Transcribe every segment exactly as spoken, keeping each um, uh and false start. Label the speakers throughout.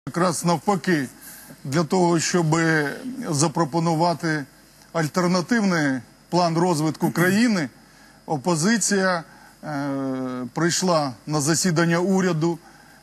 Speaker 1: Якраз навпаки, для того, щоб запропонувати альтернативний план розвитку країни, опозиція е, прийшла на засідання уряду,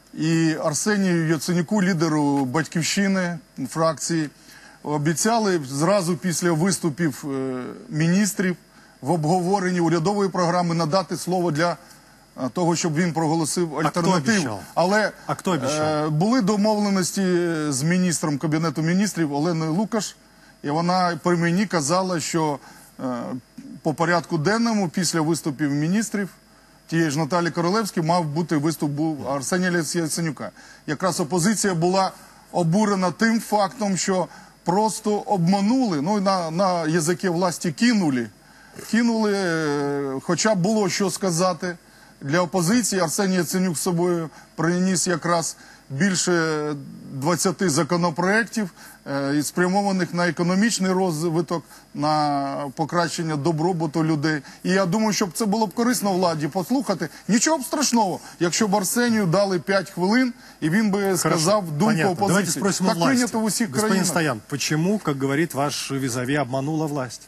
Speaker 1: і Арсенію Яценюку, лідеру «Батьківщини», фракції, обіцяли зразу після виступів е, міністрів в обговоренні урядової програми надати слово для того, щоб він проголосив альтернативу. Але
Speaker 2: а хто
Speaker 1: е, були домовленості з міністром Кабінету міністрів Оленою Лукаш, і вона при мені казала, що е, по порядку денному після виступів міністрів тієї ж Наталії Королевської мав бути виступ був Арсенія Яценюка. Якраз опозиція була обурена тим фактом, що просто обманули, ну на, на язикі власті кинули, кинули, е, хоча б було що сказати. Для опозиції Арсеній Яценюк з собою приніс якраз більше двадцяти законопроєктів, е, спрямованих на економічний розвиток, на покращення добробуту людей. І я думаю, щоб це було б корисно владі послухати. Нічого б страшного, якщо б Арсенію дали п'ять хвилин, і він би сказав думку
Speaker 2: Понятно.
Speaker 1: опозиції.
Speaker 2: Давайте спросим
Speaker 1: так
Speaker 2: у власти.
Speaker 1: прийнято в усіх
Speaker 2: Господин
Speaker 1: країнах.
Speaker 2: Стоян, почему, как говорит ваш визави, обманула власть?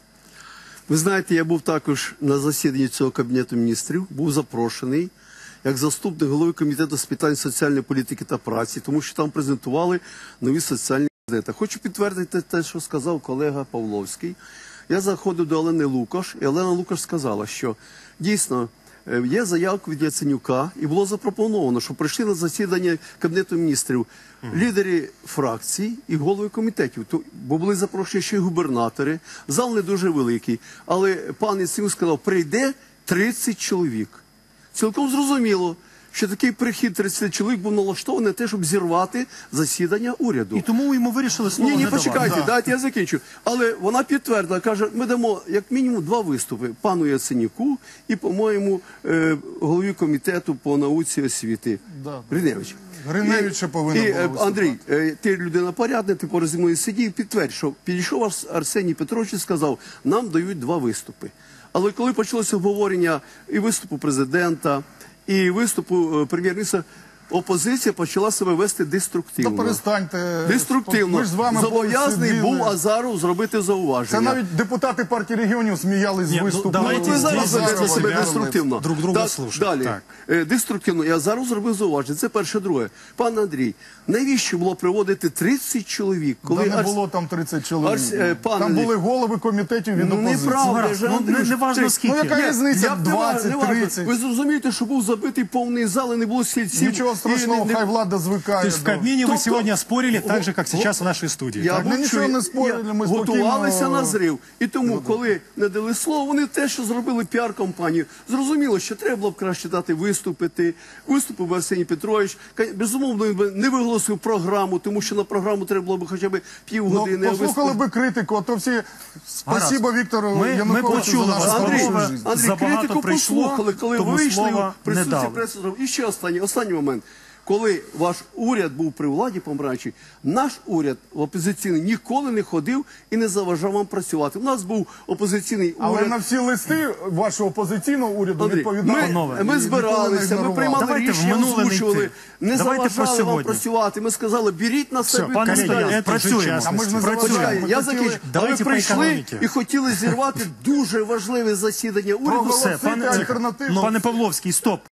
Speaker 3: Ви знаєте, я був також на засіданні цього Кабінету міністрів, був запрошений як заступник голови Комітету з питань соціальної політики та праці, тому що там презентували нові соціальні газети. Хочу підтвердити те, що сказав колега Павловський. Я заходив до Олени Лукаш, і Олена Лукаш сказала, що дійсно є заявка від Яценюка, і було запропоновано, що прийшли на засідання Кабінету міністрів лідери фракцій і голови комітетів, бо були запрошені ще й губернатори, зал не дуже великий, але пан Яценюк сказав, прийде тридцять чоловік. Цілком зрозуміло, що такий прихід тридцяти чоловік був налаштований на те, щоб зірвати засідання уряду.
Speaker 2: І тому йому вирішили слово
Speaker 3: Ні, ні,
Speaker 2: не давати.
Speaker 3: почекайте,
Speaker 1: Да.
Speaker 3: дайте я закінчу. Але вона підтвердила, каже, ми дамо як мінімум два виступи пану Яценюку і, по-моєму, е, голові комітету по науці і освіти.
Speaker 1: Да.
Speaker 3: Гриневич.
Speaker 1: Гриневич ще повинен
Speaker 3: І,
Speaker 1: був
Speaker 3: е,
Speaker 1: виступати.
Speaker 3: Андрій, е, ти людина порядна, ти поруч зі мною сидів, підтвердь, що підійшов Арс- Арсеній Петрович і сказав, нам дають два виступи. Але коли почалося обговорення і виступу президента, і виступу е, прем'єр-міністра, опозиція почала себе вести деструктивно.
Speaker 1: Та перестаньте.
Speaker 3: Деструктивно.
Speaker 1: Ми ж з вами
Speaker 3: Зобов'язаний
Speaker 1: сиділи.
Speaker 3: був Азаров зробити зауваження.
Speaker 1: Це навіть депутати партії регіонів сміялись з
Speaker 2: Ні, ну,
Speaker 1: виступу.
Speaker 2: давайте
Speaker 3: Ну, ви зараз
Speaker 2: здесь
Speaker 3: ведете себе
Speaker 2: себя
Speaker 3: деструктивно.
Speaker 2: друг друга
Speaker 3: Так,
Speaker 2: слушать.
Speaker 3: Далі.
Speaker 2: Так.
Speaker 3: Е, Деструктивно. Я зараз зробив зауваження. Це перше. Друге. Пан Андрій, навіщо було приводити тридцять чоловік?
Speaker 1: Коли
Speaker 3: Коли
Speaker 1: не
Speaker 3: Арс-
Speaker 1: було там тридцять чоловік.
Speaker 3: Арс- е, пан
Speaker 1: Там
Speaker 3: Андрій.
Speaker 1: були голови комітетів від
Speaker 3: Ну,
Speaker 1: опозиції.
Speaker 3: неправда,
Speaker 2: Гаразд,
Speaker 3: же,
Speaker 2: ну,
Speaker 3: Андрій,
Speaker 2: не- не важно
Speaker 3: ти-
Speaker 2: скільки.
Speaker 1: Ну, яка
Speaker 3: Ні,
Speaker 1: різниця?
Speaker 3: я б не ва-
Speaker 1: двадцять,
Speaker 3: не важно.
Speaker 1: тридцять.
Speaker 3: Ви зрозумієте, що був забитий повний зал і не було стільців.
Speaker 1: Нічого
Speaker 3: І
Speaker 1: страшного,
Speaker 3: не- не-
Speaker 1: хай влада звикає.
Speaker 2: То есть в
Speaker 1: до-
Speaker 2: Кабмине вы
Speaker 3: Тобто-
Speaker 2: сегодня спорили так же, как
Speaker 3: Го-
Speaker 2: сейчас в нашей студии.
Speaker 3: Я
Speaker 2: так?
Speaker 1: Ми
Speaker 3: мовчу,
Speaker 1: нічого не
Speaker 3: я-
Speaker 1: спорили, ми
Speaker 3: готувалися
Speaker 1: спокійно-
Speaker 3: на зрив. І тому, коли не дали слово, вони те, що зробили піар-компанію. Зрозуміло, що треба було б краще дати виступити. Виступив Арсеній Петрович. Ка- Безумовно, він би не виголосив програму, тому що на програму треба було б хоча б
Speaker 1: Ну,
Speaker 3: півгодини. а
Speaker 1: послухали
Speaker 3: виступ-
Speaker 1: би критику, а то всі спасибо Віктору
Speaker 2: Ми- ми
Speaker 1: Януковичу
Speaker 2: почули
Speaker 1: за
Speaker 2: вас,
Speaker 1: нашу
Speaker 3: Андрій,
Speaker 1: хорошу
Speaker 2: Андрій,
Speaker 1: життя.
Speaker 3: Андрій,
Speaker 2: Забагато
Speaker 3: критику
Speaker 2: прийшло,
Speaker 3: послухали, коли
Speaker 2: тому
Speaker 3: вийшли
Speaker 2: слова
Speaker 3: в
Speaker 2: не
Speaker 3: присутстві
Speaker 2: дали.
Speaker 3: преси. І ще останній, останній момент. Коли ваш уряд був при владі помаранчі, наш уряд опозиційний ніколи не ходив і не заважав вам працювати. У нас був опозиційний
Speaker 1: Але
Speaker 3: уряд.
Speaker 1: на всі листи вашого опозиційного уряду
Speaker 3: Андрій,
Speaker 1: відповідали.
Speaker 3: ми,
Speaker 2: Панове,
Speaker 3: ми
Speaker 1: і
Speaker 3: збиралися,
Speaker 1: ніколи не
Speaker 3: ми
Speaker 1: ігнорували.
Speaker 3: приймали
Speaker 2: Давайте в
Speaker 3: рішення,
Speaker 2: минуле не
Speaker 3: озвучували,
Speaker 2: йти.
Speaker 3: не
Speaker 2: Давайте про
Speaker 3: заважали вам
Speaker 2: сьогодні.
Speaker 3: працювати. Ми сказали, беріть на себе
Speaker 2: пане
Speaker 3: відповідальність.
Speaker 2: Стоян, це вже
Speaker 3: Працюємо.
Speaker 2: час.
Speaker 1: А ми ж не
Speaker 2: Працюємо.
Speaker 1: заважаємо.
Speaker 3: Я
Speaker 1: Ми хотіли-
Speaker 3: закінчу. Але
Speaker 2: Давайте по
Speaker 3: прийшли
Speaker 2: економіці.
Speaker 3: і хотіли зірвати дуже важливе засідання уряду.
Speaker 1: Проголосити
Speaker 2: Все, пане,
Speaker 1: альтернативу.
Speaker 2: пане Павловський, стоп.